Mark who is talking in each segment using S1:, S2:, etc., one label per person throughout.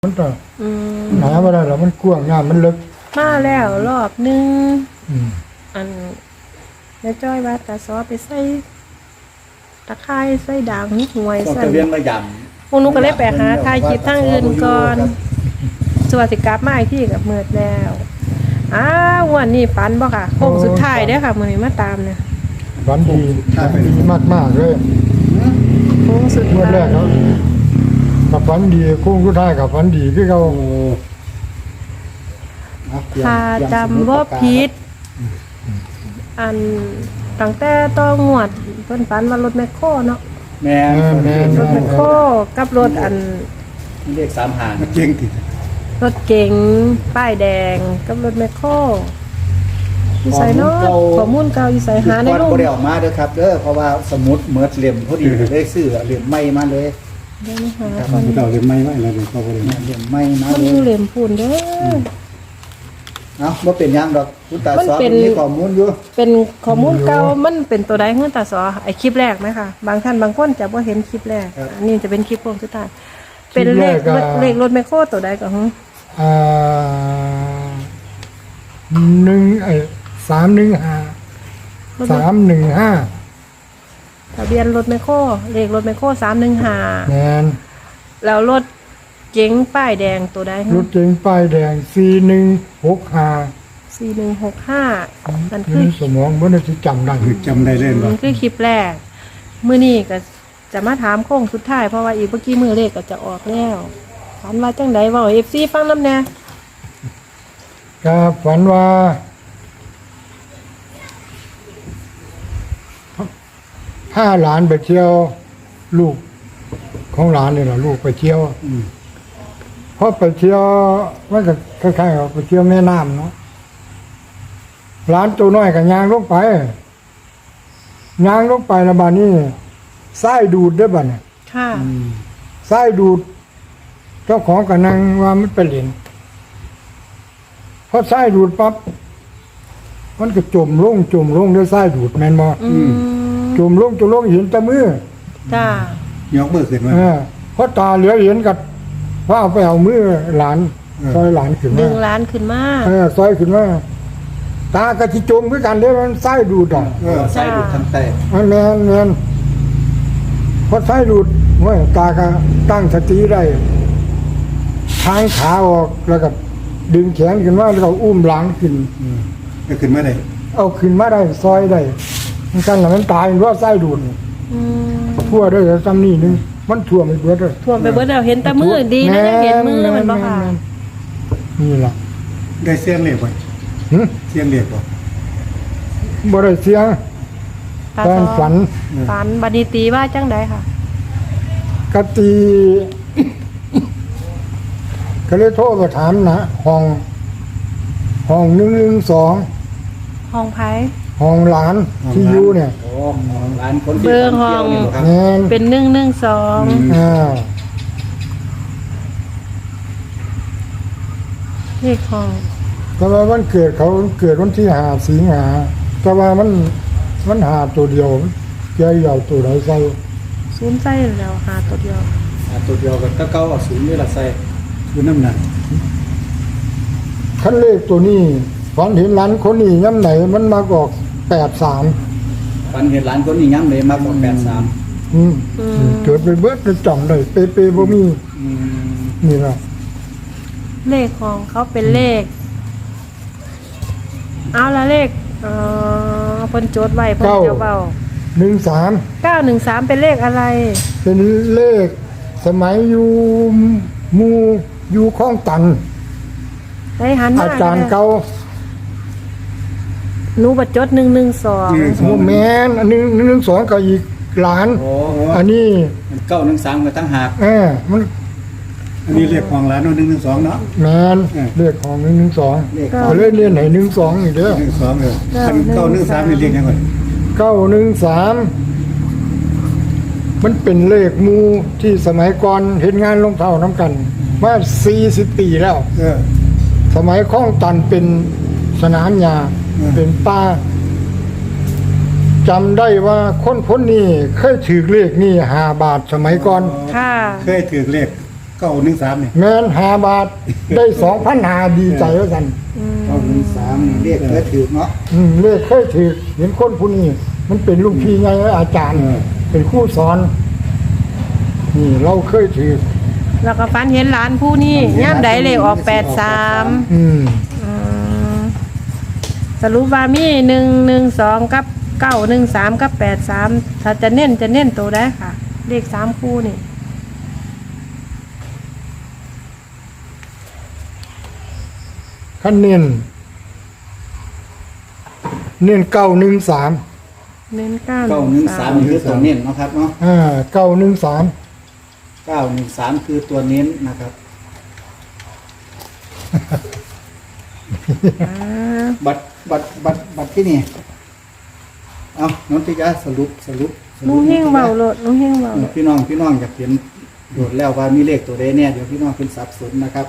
S1: มันก็หนาไม่ได้หรอกมันกว้างงามมันลึก
S2: มาแล้วรอบนึง อันแม่จ้อยว่าตาซอไปใส่ตะไคร้ใส่ด่างหวย
S3: ต้อง
S2: ใส่
S3: จะเลี้ยงระย
S2: พวกหนูก็เลยไปหาทายคลิปทางอื่นก่อนสวัสดิกลับมาอีกที่กับเมือดแล้ววันนี้ปันบ่ค่ะโค้งสุดท้ายเด้อค่ะมื้อนี้มาตามเนี่ย
S1: ฝันดีมากเลย
S2: โค้งสุด
S1: เมื่อ
S2: ท้า
S1: แร
S2: ย
S1: กเนาะกับฝันดีโค้งสุดท้ายกับฝันดีที่เขา
S2: ถ้าจำบ่ผิดอันตั้งแต่ต้องงวดเพิ่นฝันว่ารถแมคโครเนาะ
S3: ำแม่
S2: รถแมคโครกับรถอัน
S3: เรียก3 หาง
S4: เก่งติ
S2: รถเก๋งป้ายแดงกับรถแมคโครอยู่ใส่เนาะข้อมูลเก่าอยู่ใส่หาใน
S3: ก่อน
S2: รูป
S3: บ่ได้ออกมาเด้อครับเด้อเพราะว่าสมุดเมิดเหลี่ยมพอดีเลยซื้อเหลี่ยมใหม่มาเลย
S2: เดี๋ยวนี้หา
S4: มันเก่าเรียนไม่ไหวแล้วเดี๋ยวก็บ่ได้
S3: เหลี่ยมใหม่มา
S2: มัน
S3: เล
S2: อยู่
S3: ย
S2: เหลี่ยมพูนเด้อ
S3: เอ้าบ่เป็นหยังดอกคุณตาสอนมีข้อมูลอยู่
S2: เป็นข้อมูลเก่ามันเป็นตัวใดเฮือตาสอไอคลิปแรกไหมคะบางท่านบางคนจะบ่เห็นคลิปแรกอันนี้จะเป็นคลิปโค้งสุดท้ายเป็นเลขรถแมคโครตัวใดก็ฮึ
S1: 315
S2: ทะเบียนรถแมคโครเลขรถแมคโคร315
S1: แมน
S2: แล้วรถเก๋งป้ายแดงตัวใด
S1: รถเก๋งป้ายแดง4165
S2: 4165มันคือ
S1: สมองมันจะจำได้
S4: คือจำได้เล่น
S2: มั
S4: ว่าน
S2: คือคลิปแรกมื้อนี้ก็จะมาถามโค้งสุดท้ายเพราะว่าอีกเมื่อกี้มือเลขก็จะออกแล้วถามว่าจังไดเว้า FC ฟังนำแน่
S1: ก็ฝันว่าถ้าหลานไปเที่ยวลูกของหลานเนี่ยนะลูกไปเที่ยวเพราะไปเที่ยวมันก็คล้ายๆกับไปเที่ยวแม่น้ำเนาะหลานตัวน้อยกับยางลงไปยางลงไปแล้วบานี้ไส้ดูดได้บ่เนี่ย
S2: ค่ะ
S1: ไส้ดูดเจ้าของกับนางว่ามันเป็นเหรียญพอไส้ดูดปั๊บมันก็จมลงด้วยไส้ดูดแมนบอจมลงเห็นแต่มือ
S2: จ้าย
S4: กมือขึ้นมา
S1: เพราะตาเหลือเห็นกับว่าเอาไปเอามือหลานซอยหลานขึ้น
S2: ดึ
S1: มาง
S2: ล้านขึ้นมา
S1: ซอยขึ้นมาตากระจิจมด้วยกันเด้มันไส้ดูดอ่ะ
S3: ใส่ดูดทั้งแต่
S1: แมนพอไส้ดูดเว้ยตาก็ตั้งสติได้ทางขาออกแล้วก็ดึงแขนขึ้นมาแล้วก็อุ้มหลานขึ้น
S4: ก็ขึ้นมาได้
S1: เอาขึ้นมาได้ซอยได้มันกันแล้วมันตายเพราะไส้ดูด
S2: อืม
S1: ทั่วด้วยซ้ำนี่นึงมันท่วมไปเบิดเลย
S2: ท่วมไปเบิดแล้วเห็นแต่มือดีนะยังเห็นมือมันบ่ค่ะ
S1: นี่ล่ะ
S4: ได้เสียงเรียกบ่
S1: หึ
S4: เสียงเรียกบ่
S1: บ่ได้เสียง
S2: ตา
S1: ตอน
S2: ซอ
S1: ฝัน
S2: บัดนี้ตีว่าจังไดค่ะ
S1: กะตี ก็เลยโทรไปถามนะห้อง112
S2: ห้องไผ
S1: ห้องหลานที่อยู่เนี่ย
S3: โอ้ร้านคนที่
S2: เบอร์ห้อง
S3: นี่บ่ครับ
S1: แม่น
S2: เป็น112
S1: อ่า
S2: เลขห้อง
S1: แต่ว่าวันเกิดเขาเกิดวันที่5 สิงหาแต่ว่ามันหาตัวเดียวแกเอาตัวไหนใส่
S2: ศูนย์ใส่แล้วหาตัวเดียว
S3: ตัวเดียวก็เก่าเอาศูนย์นี่ล่ะใส่
S4: คือน้ำหนัก
S1: คันเลขตัวนี้ฝันเห็นหลานคนนี้ย่ำไหนมันมากออก83
S3: ฝันเห็นร้านคนนี้ย้ำเลยมากกว่า83
S1: เกิดไปเบิดจะจ่องได้เปบ่มีนี่ล่ะ
S2: เลขของเขาเป็นเลข เอาละเลขเพิ่นโจทย์ไว้เพิ่นจะเว้า
S1: 13
S2: 913เป็นเลขอะไร
S1: เป็นเลขสมัยอยู่คลองตัน
S2: ได้หันมา
S1: อาจารย์เก่า
S2: หนูบัดจด112
S1: โมแมนอันนึง112ก็อีกหลาน
S3: โอ้
S1: อันนี้
S3: มัน913ก็ตั้งหาก
S1: มัน
S4: อันนี้เรียกของร้าน112เนาะ
S1: แมนเลขของ112
S3: เลข
S1: ก็เลยเรียนให้12นี่เด้อ
S4: 12เออคัน913นี่เรียกยังไง
S1: 913มันเป็นเลขหมู่ที่สมัยก่อนเห็นงานลงเท่าน้ำกันว่า40 ปีแล้ว สมัยคลองตันเป็นสนามหญ้าเป็นป่าจำได้ว่าคนนี้เคยถือเลขนี่5 บาทสมัยก่อน
S2: ค่ะ
S4: เคยถือเลข 913เนี่ย
S1: แม่น5 บาทได้2,500ดีใจว่าซั่น
S3: 913นี่เลขเคยถือเนาะ
S1: เลขเคยถือเห็นคนผู้นี้มันเป็นลูกพี่ไงอาจารย์ เป็นครูสอนนี่เราเคยถือ
S2: แล้วก็ฝันเห็นหลานผู้นี้ย่ามใดเลขออก83
S1: อืม
S2: สรุปว่ามี112กับ913กับ83ถ้าจะเน้นตัวได้ค่ะ เลข3คู่นี่
S1: คันเน้น913
S2: เน้น
S3: 913นี่คือตัวเน้นเนาะครับเนาะ
S1: 913
S3: 913คือตัวเน้นนะครับ บัตรที่นี่เอาน้องติกาสรุป
S2: ลุงเฮงเบาโลดลุงเฮงเบาโลด
S3: พี่น้องอยากเห็นโดดแล้วว่ามีเลขตัวใดเนี่ยเดี๋ยวพี่น้องเป็นสับสนนะครับ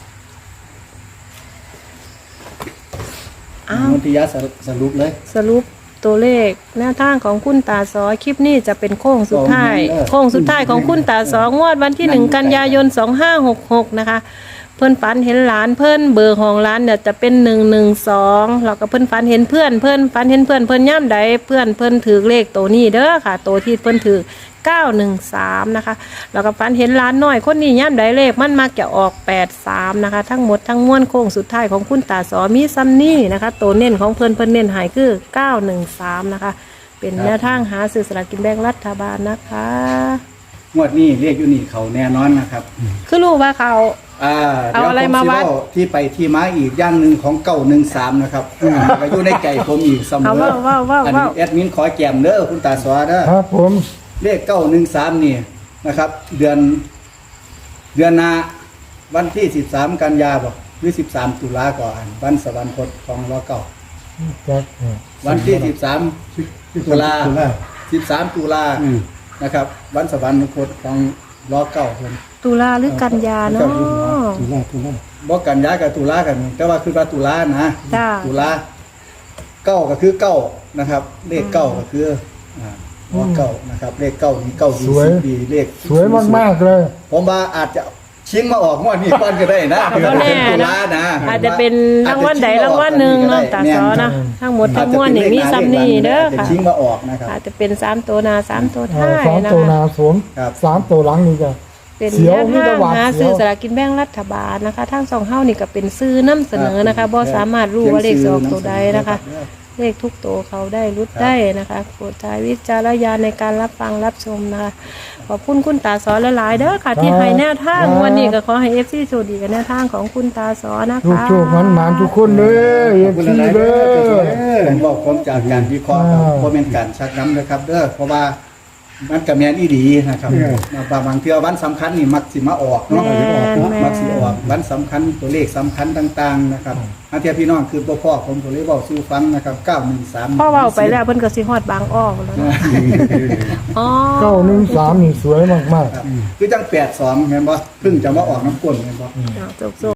S2: อ้าว
S3: น้องติกาสรุปเลย
S2: สรุปตัวเลขแนวทางของคุณตาสอคลิปนี้จะเป็นโค้งสุดท้ายโค้งสุดท้ายของคุณตาสองวดวันที่1 กันยายน 2566นะคะเพิ่นฝันเห็นหลานเพิ่นเบอร์ของร้านเนี่ยจะเป็น112แล้วก็เพิ่นฝันเห็นเพื่อนเพิ่นฝันเห็นเพื่อนเพิ่นย่ำใดเพื่อนเพิ่นถือเลขตัวนี้เด้อค่ะตัวที่เพิ่นถือ913นะคะแล้วก็ฝันเห็นหลานน้อยคนนี้ย่ำใดเลขมันมักจะออก83นะคะทั้งหมดทั้งมวลโค้งสุดท้ายของคุณตาสอมีซ้ำนี่นะคะตัวเน้นของเพิ่นเน้นใหายคือ913นะคะเป็นแนวทางหาซื้อสลากกินแบ่งรัฐบาลนะคะ
S3: งวดนี้เรียกอยู่นี่เขาแน่นอนนะครับ
S2: คือรู้ว่าเขา เอาอะไรมาวัด
S3: เดี๋ยผสิเที่ไปที่มาอีกอย่างหนึ่งของ913นะครับก็อยู่ในใจผมอีกเสม
S2: เอา
S3: อ
S2: ว่า
S3: อันนี้แอดมินขอแกมเด้อคุณตาสวาเด้อ
S1: ครับผม
S3: เลข913นี่นะครับ เดือนหน้าวันที่13กันยาบ่หรือ13ตุลาก่อนวันสวรรคตของรอเก้า
S1: จัก
S3: วันที่13ตุลา13ตุลา
S4: อืม
S3: นะครับ วันสวรรคตของรอเก้าเพิ่น
S2: ตุลาหรือกันยาเนาะ
S4: ตุลา
S3: บ่กันยากับตุลากัน แต่ว่าคือว่าตุลานะ
S2: จ้า
S3: ตุลาเก้าก็คือเก้านะครับ เลขเก้าก็คือว่าเก้านะครับ เลขเก้านี่เก้าดี10ปีเลข
S1: สวยมากๆเลย
S3: ผมว่าอาจจะชิงมาออกงวดนี้ก่อนก็ได้นะ
S2: ก็แน่
S3: ตุ
S2: นะ
S3: ลานะ
S2: อาจจะเป็นรางวัลใดรางวัลหนึ่งเนาะตาสอนะทั้งหมดทั้งมวลนี่มีซ้ำนี่เด้อ
S3: อาจจะ
S2: ค่ะ
S3: ชิงมาออกนะครับ
S2: อาจจะเป็น3ตัวหน้า3ตัวท้าย
S1: 2
S2: นะ
S1: ตัวห
S2: คะ
S1: นาสวม
S3: ครับ
S1: 3 ตัวหลังนี่ก็
S2: เป็น
S1: เสี
S2: แน
S1: ยว
S2: ว
S1: มี
S2: ทา
S1: แต่
S2: ง
S1: หวาด
S2: หา
S1: เสียว
S2: ซื้อสลากกินแบ่งรัฐบาลนะคะทั้งสองเฮ้านี่ก็เป็นซื้อน้ำเสนอนะคะบ่สามารถรู้ว่าเลขจะออกตัวใดนะคะ เลขทุกตัวเขาได้รุดได้นะคะโปรดใช้วิจารณญาณในการรับฟังรับชมนะคะขอบคุณคุณตาสอนหลายๆเด้อค่ะที่ให้แนวทางวันนี้ก็ขอให้ FC โชคดีกับแนวทางของคุณตาสอนนะคะ
S1: ทุกๆมันๆทุกคนเด้อเอฟซีเด้อ
S3: ผมบอกผมจากการวิเคราะห์ครับเพราะเป็นการชักน้ำนะครับเด้อเพราะว่ามันกับแมนอีดีนะครับบางเทื่อวันสำคัญนี่มักสิมาออกเนาะ
S2: แม่น
S3: มักสิออกวันสำคัญตัวเลขสำคัญต่างๆนะครับอันเทียพี่น้องคือพ่อผมก็เลยบอกสู้ฟังนะครับ913
S2: พ่อเว้าไปแล้วเพิ่นก็สิฮอดบางอ้อแล้วเนาะอ๋อ
S1: 913นี่สวยมากๆ
S3: ครับคือจัง82แม่นบ่เพิ่งจะมาออกน้ำก้นแม่นบ่
S2: จบ